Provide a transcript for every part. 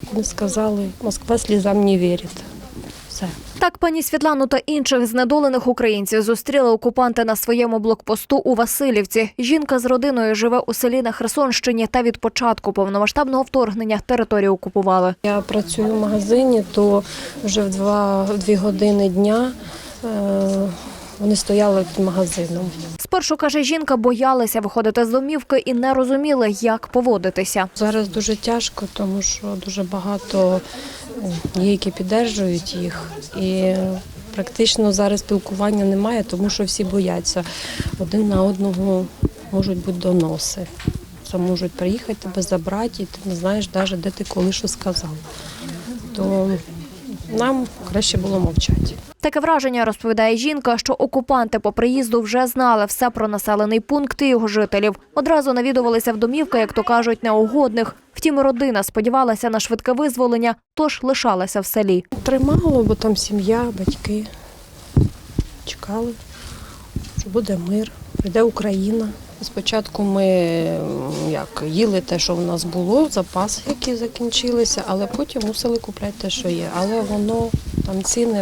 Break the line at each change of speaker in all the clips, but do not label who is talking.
Вони сказали, Москва слізам не вірить. Все.
Так пані Світлану та інших знедолених українців зустріли окупанти на своєму блокпосту у Василівці. Жінка з родиною живе у селі на Херсонщині та від початку повномасштабного вторгнення територію окупували.
Я працюю в магазині, то вже в 2 години дня вони стояли під магазином.
Спершу, каже жінка, боялися виходити з домівки і не розуміли, як поводитися.
Зараз дуже тяжко, тому що дуже багато є, які підтримують їх. І практично зараз спілкування немає, тому що всі бояться. Один на одного можуть бути доноси. Це можуть приїхати, тебе забрати, і ти не знаєш навіть, де ти коли що сказав. То нам краще було мовчати.
Таке враження, розповідає жінка, що окупанти по приїзду вже знали все про населений пункт і його жителів. Одразу навідувалися в домівки, як то кажуть, неугодних. Втім, родина сподівалася на швидке визволення, тож лишалася в селі.
Тримало, бо там сім'я, батьки чекали, що буде мир, прийде Україна. Спочатку ми їли те, що в нас було, запаси, які закінчилися, але потім мусили купляти те, що є. Але воно, там ціни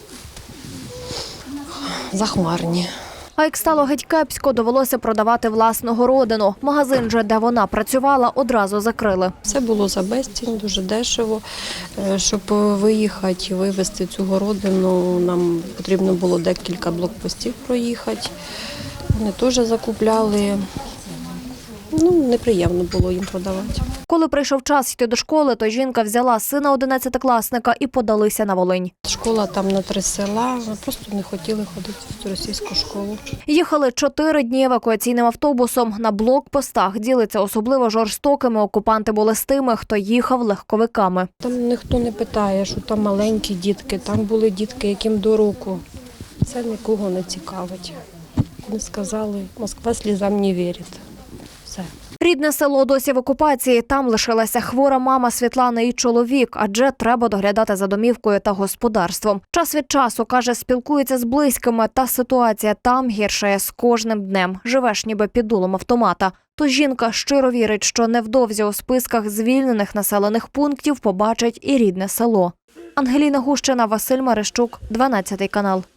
захмарні.
А як стало геть кепсько, довелося продавати власну городину. Магазин же, де вона працювала, одразу закрили.
Все було за безцінь, дуже дешево. Щоб виїхати і вивезти цю городину, нам потрібно було декілька блокпостів проїхати. Вони теж закупляли. Неприємно було їм продавати.
Коли прийшов час йти до школи, то жінка взяла сина 11-класника і подалися на Волинь.
Школа там на 3 села, ми просто не хотіли ходити в цю російську школу.
Їхали 4 дні евакуаційним автобусом. На блокпостах ділиться особливо жорстокими. Окупанти були з тими, хто їхав легковиками.
Там ніхто не питає, що там маленькі дітки, там були дітки, яким до року. Це нікого не цікавить. Вони сказали, Москва слізам не вірить. Все.
Рідне село досі в окупації. Там лишилася хвора мама Світлани і чоловік, адже треба доглядати за домівкою та господарством. Час від часу, каже, спілкується з близькими, та ситуація там гіршає з кожним днем. Живеш ніби під дулом автомата. Тож жінка щиро вірить, що невдовзі у списках звільнених населених пунктів побачить і рідне село. Ангеліна Гущина, Василь Марищук, 12 канал.